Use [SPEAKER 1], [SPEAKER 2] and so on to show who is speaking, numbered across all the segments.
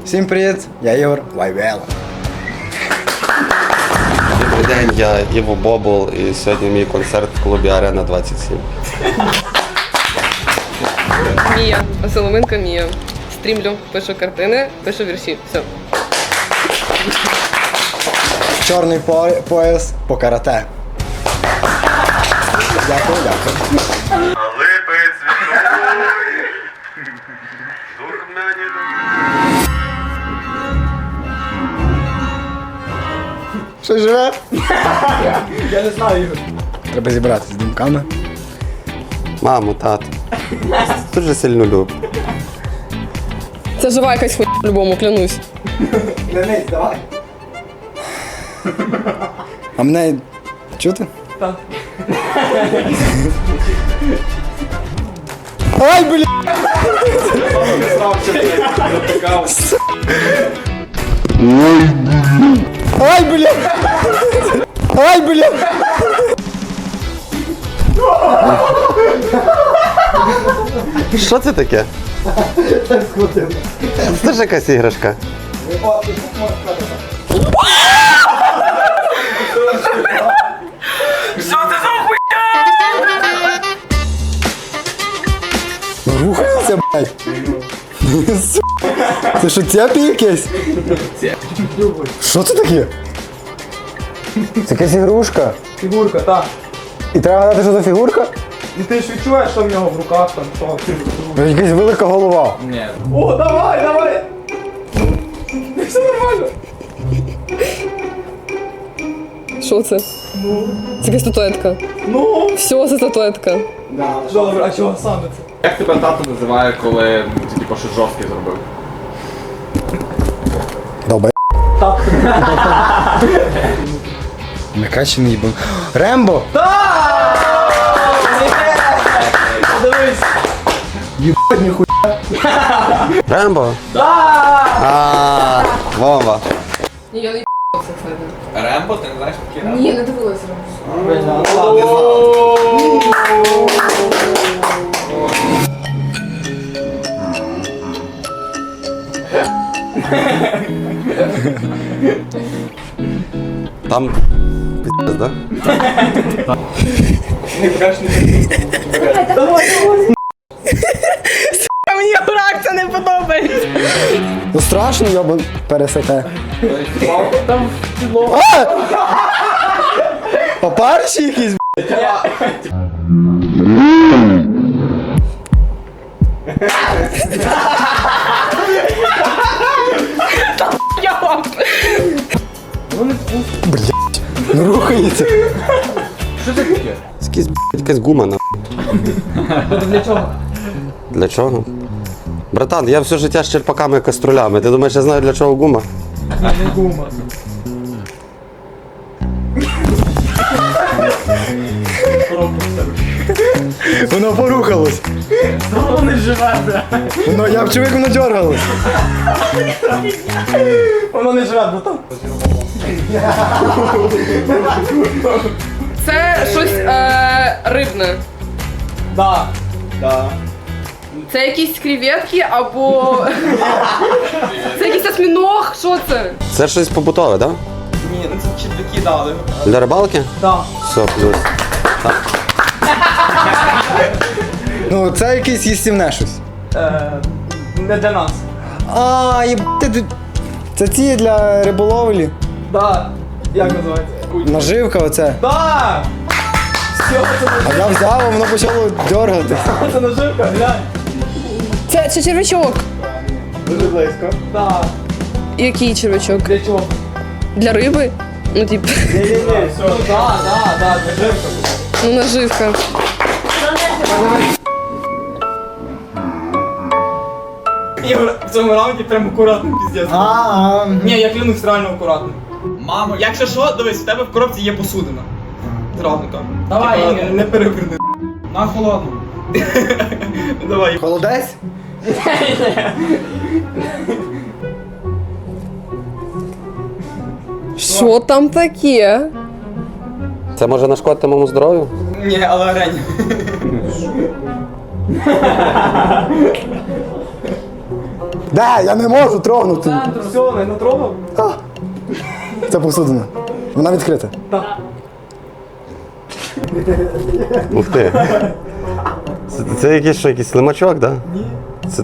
[SPEAKER 1] Всім привіт, я Ігор Вайвела.
[SPEAKER 2] Добрий день, я Іво Бобул і сьогодні мій концерт в клубі Арена 27.
[SPEAKER 3] Мія, Соломенко Мія. Стрімлю, пишу картини, пишу вірші. Все.
[SPEAKER 1] Чорний пояс по карате. Дякую, дякую.
[SPEAKER 4] Липи цвітуть, дурмані.
[SPEAKER 1] Що живе? Я не знаю, Ігор. Треба зібратися з думками.
[SPEAKER 2] Мамо, тато. Дуже сильно люблю.
[SPEAKER 3] Це жива якась хуйня по-любому, клянусь.
[SPEAKER 1] Клянись, давай. А мене чути? Так. Ай, блін! Ай, блін! Ай, блін!
[SPEAKER 2] Що це таке? Це ж якась іграшка.
[SPEAKER 1] Рухається, блядь. Це що, цепі якесь? Що це таке? Це якась ігрушка.
[SPEAKER 5] Фігурка, так.
[SPEAKER 1] І треба гадати, що за фігурка?
[SPEAKER 5] І ти ж відчуваєш, що в нього в руках там, що.
[SPEAKER 1] Якась велика голова.
[SPEAKER 5] Ні. О, давай, давай! Все нормально.
[SPEAKER 3] Що це? Це якась статуетка.
[SPEAKER 5] Ну.
[SPEAKER 3] Все, це статуетка.
[SPEAKER 5] Добре, а чого саме це?
[SPEAKER 6] Як тебе тато називає, коли ти типу щось жорстке зробив?
[SPEAKER 1] Долбай. Накачаний бо. Рембо!
[SPEAKER 5] Дивись.
[SPEAKER 1] Єбать, ніхуя.
[SPEAKER 2] Рембо? Вова.
[SPEAKER 3] Ні, я не це кстати.
[SPEAKER 6] Рембо, ти не знаєш такі Рембо?
[SPEAKER 3] Ні, не дивилася.
[SPEAKER 2] Там піздець, да?
[SPEAKER 3] Мені реакція не подобається.
[SPEAKER 1] Ну страшно, йобан пересете.
[SPEAKER 5] Там кіно.
[SPEAKER 1] А! Попарші якісь, ну рухається.
[SPEAKER 2] Якась гума, на.
[SPEAKER 5] Для чого?
[SPEAKER 2] Для чого? Братан, я все життя з черпаками і каструлями. Ти думаєш, я знаю, для чого гума?
[SPEAKER 5] Не гума.
[SPEAKER 1] Воно порухалось.
[SPEAKER 5] Воно не живе, бля.
[SPEAKER 1] Воно, я вчив, як воно дергалось.
[SPEAKER 5] Воно не живе, братан.
[SPEAKER 3] Це щось рибне.
[SPEAKER 5] Да.
[SPEAKER 3] Це якісь креветки або. Це якийсь осьміног, що це?
[SPEAKER 2] Це щось побутове, так?
[SPEAKER 5] Ні, ну це черв'яки дали.
[SPEAKER 2] Да? Для рибалки?
[SPEAKER 5] Да.
[SPEAKER 2] Все, плюс.
[SPEAKER 1] Ну, це якесь їстівне щось.
[SPEAKER 5] Не для нас.
[SPEAKER 1] А, єбати, це ці для риболовлі.
[SPEAKER 5] Да. Як називається?
[SPEAKER 1] Наживка оце.
[SPEAKER 5] Да! Все,
[SPEAKER 1] А я взяв, а воно почало дергати.
[SPEAKER 5] це наживка, глянь.
[SPEAKER 3] Це червячок.
[SPEAKER 1] Дуже близько.
[SPEAKER 5] Да.
[SPEAKER 3] Який червячок?
[SPEAKER 5] Для чого?
[SPEAKER 3] Для риби? Ну, тип,
[SPEAKER 5] Ні, все. Да, наживка.
[SPEAKER 3] ну наживка.
[SPEAKER 5] Ігор, в цьому раунді прям акуратно, піздець. Ні, я клянусь, реально акуратно. Мамо, якщо що, дивись, в тебе в коробці є посудина. Зразу кажу. Давай, Ігор. Не переверни. На холодну. Давай.
[SPEAKER 1] Холодець?
[SPEAKER 3] Що там таке?
[SPEAKER 2] Це може нашкодити моєму здоров'ю?
[SPEAKER 5] Ні, але Рень.
[SPEAKER 1] Де? Я не можу трогнути.
[SPEAKER 5] Все, не натрогав?
[SPEAKER 1] Це посудина. Вона відкрита.
[SPEAKER 2] Ух ти. Це якийсь що, якийсь лимачок, так? Ні. Це...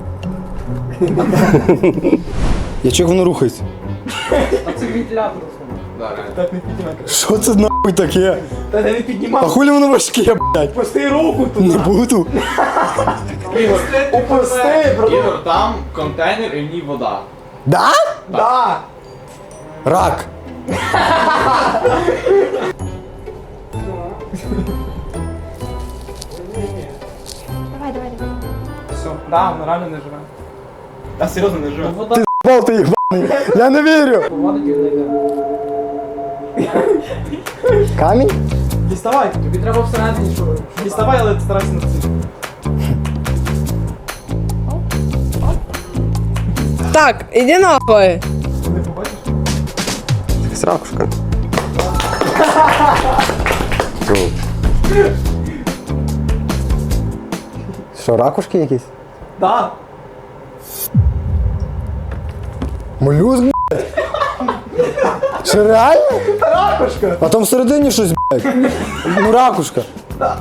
[SPEAKER 1] Я чого воно рухається?
[SPEAKER 5] Це вентилятор. Так не піднімай.
[SPEAKER 1] Що це нахуй таке?
[SPEAKER 5] Та не
[SPEAKER 1] А
[SPEAKER 5] піднімай.
[SPEAKER 1] хулі воно важке, блядь?
[SPEAKER 5] Пусти руку тут.
[SPEAKER 1] Не буду.
[SPEAKER 5] Опусти, бро.
[SPEAKER 6] Ігор, там контейнер і в ній вода.
[SPEAKER 1] Да?
[SPEAKER 5] Да.
[SPEAKER 1] Рак.
[SPEAKER 5] Все. Да, воно реально не живе. Та серйозно не живе.
[SPEAKER 1] Ти з**бал, ти їбаний. Я не вірю. Камінь?
[SPEAKER 5] Діставай. Тобі треба всередині що. Діставай, але старайся на це.
[SPEAKER 3] Так, іди нахуй.
[SPEAKER 2] Якась ракушка. Фу.
[SPEAKER 1] Що, ракушки якісь?
[SPEAKER 5] Да.
[SPEAKER 1] Молюск, блядь? Що, реально? Ракушка. А там всередині щось, блядь. Ну, ракушка.
[SPEAKER 5] Там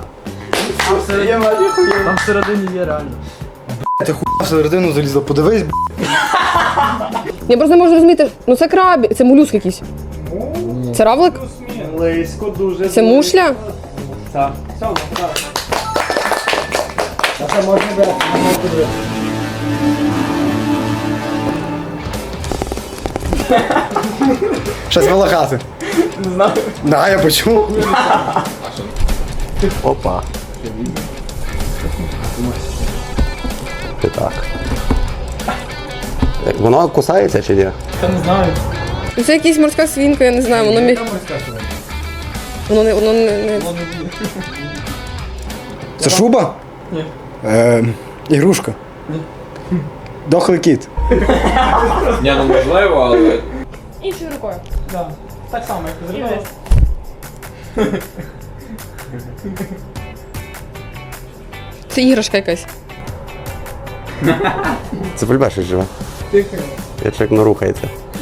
[SPEAKER 5] всередині є реально.
[SPEAKER 1] Ти хуя всередину залізла, подивись, блядь.
[SPEAKER 3] Я просто не можу зрозуміти, ну це крабі, це молюск якийсь. Це равлик?
[SPEAKER 5] Близько дуже.
[SPEAKER 3] Це мушля?
[SPEAKER 5] Так. Все, ну, так.
[SPEAKER 1] А це можна брати, Щось волохати.
[SPEAKER 5] Не знаю.
[SPEAKER 1] Да, я почув.
[SPEAKER 2] Опа. Ти так. Воно кусається чи ні?
[SPEAKER 5] Я не знаю.
[SPEAKER 3] Ну, це якась морська свінка, я не знаю, воно міг. Воно не.
[SPEAKER 1] Це шуба?
[SPEAKER 5] Ні.
[SPEAKER 1] Ігрушка.
[SPEAKER 5] Ні.
[SPEAKER 1] Дохлий кіт.
[SPEAKER 6] Ні, ну можливо, але...
[SPEAKER 3] Іншою рукою.
[SPEAKER 5] Да. Так само, як ти зробила.
[SPEAKER 3] Це іграшка якась.
[SPEAKER 2] Це пульбешик живе.
[SPEAKER 5] Тихо.
[SPEAKER 2] Я чек, ну рухається.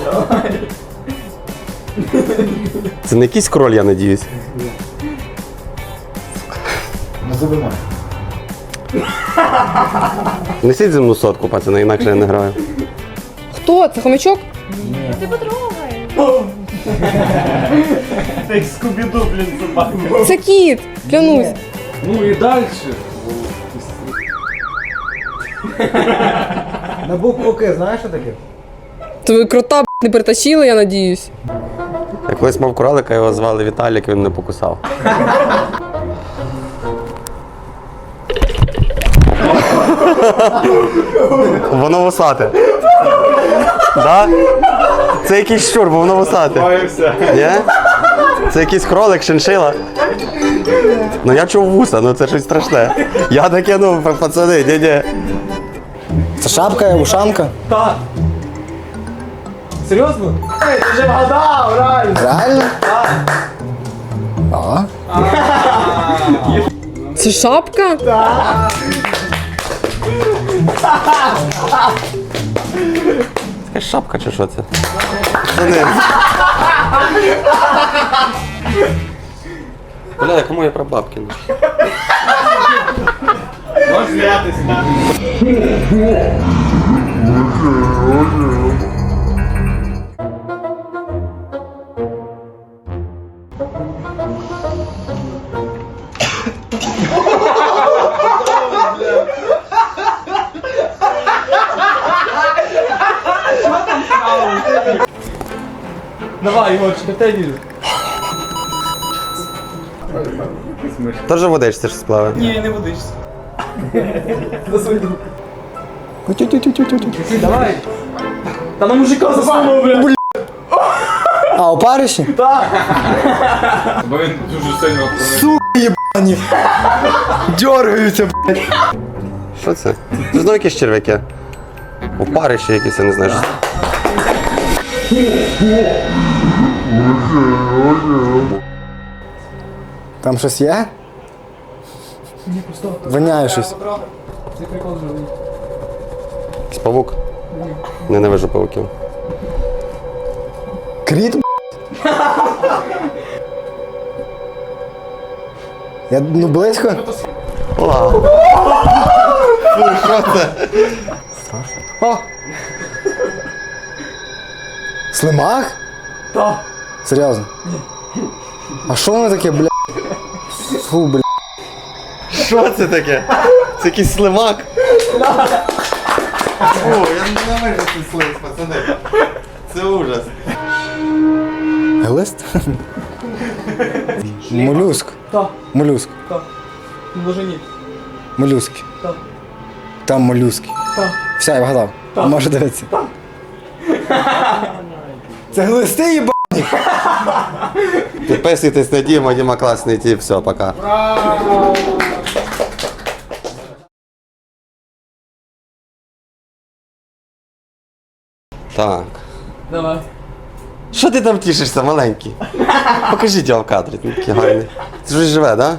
[SPEAKER 2] Це не якийсь кроль, я надіюсь.
[SPEAKER 1] Не забивай.
[SPEAKER 2] Несіть земну сотку, пацани, інакше я не граю.
[SPEAKER 3] Хто? Це хомячок?
[SPEAKER 5] Ти скубіду, блін, собака.
[SPEAKER 3] Це кіт! Клянусь.
[SPEAKER 6] Ну і далі.
[SPEAKER 1] На букву К, знаєш що таке?
[SPEAKER 3] То ви крота не притащили, я надіюсь.
[SPEAKER 2] Я колись мав кролика, його звали Віталік, він не покусав. Воно вусате. Да? Це якийсь щур, бо воно вусате. Ні? Це якийсь кролик, шиншила. Ну я чув вуса, ну це щось страшне. Я таке, ну, пацани, ні-ні.
[SPEAKER 1] Це шапка, ушанка.
[SPEAKER 5] Так. Серйозно? Ей, ти вже вгадав, реально.
[SPEAKER 1] Реально? А?
[SPEAKER 3] Це шапка?
[SPEAKER 2] Це шапка чи що це? Це не. Бля, кому я про бабки?
[SPEAKER 6] Можеш сміятися.
[SPEAKER 5] Давай, Ігорчик, я в тебе вірю.
[SPEAKER 2] Теж водичці ж сплаве.
[SPEAKER 5] Ні, не водишся. За свою руку. Давай. Та на мужика засунув, бля.
[SPEAKER 1] А, опариші?
[SPEAKER 6] Бо він дуже сильно проник.
[SPEAKER 1] Єбані. Дьоргаються, блядь.
[SPEAKER 2] Що це? Це знову якісь черв'яки. Опариші якісь, я не знаю. Що...
[SPEAKER 1] Там щось є? Воняє щось.
[SPEAKER 5] Це прикол живий.
[SPEAKER 2] Якийсь павук. Ненавижу павуків.
[SPEAKER 1] Кріт, я, ну, близько.
[SPEAKER 2] Ла. Фу, що це?
[SPEAKER 1] О! Слимак?
[SPEAKER 5] Так.
[SPEAKER 1] Серйозно? А що воно таке, бля? Фу, бля.
[SPEAKER 2] Що це таке? Це якийсь слимак? Фу, я ненавижу цей слиз, пацани. Це ужас.
[SPEAKER 1] Глист? Молюск.
[SPEAKER 5] Так,
[SPEAKER 1] Молюск.
[SPEAKER 5] так. Множині.
[SPEAKER 1] Молюски.
[SPEAKER 5] Так.
[SPEAKER 1] Там молюски.
[SPEAKER 5] Так.
[SPEAKER 1] Все, я вгадав. Може дивитися. Це глисти, їба?
[SPEAKER 2] Підписуйтесь на Діму, Діма класний тип, все, пока. Так.
[SPEAKER 5] Давай.
[SPEAKER 2] Що ти там тішишся, маленький? Покажіть його в кадрі, він такий гарний. Це ж живе, так?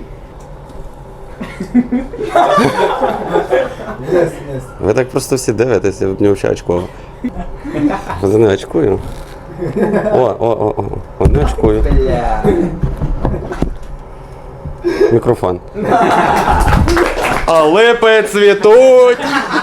[SPEAKER 2] Ви так просто всі дивитесь, я не взагалі очково. Я не очкую. О, не очкую. Мікрофон. А липи цвітуть!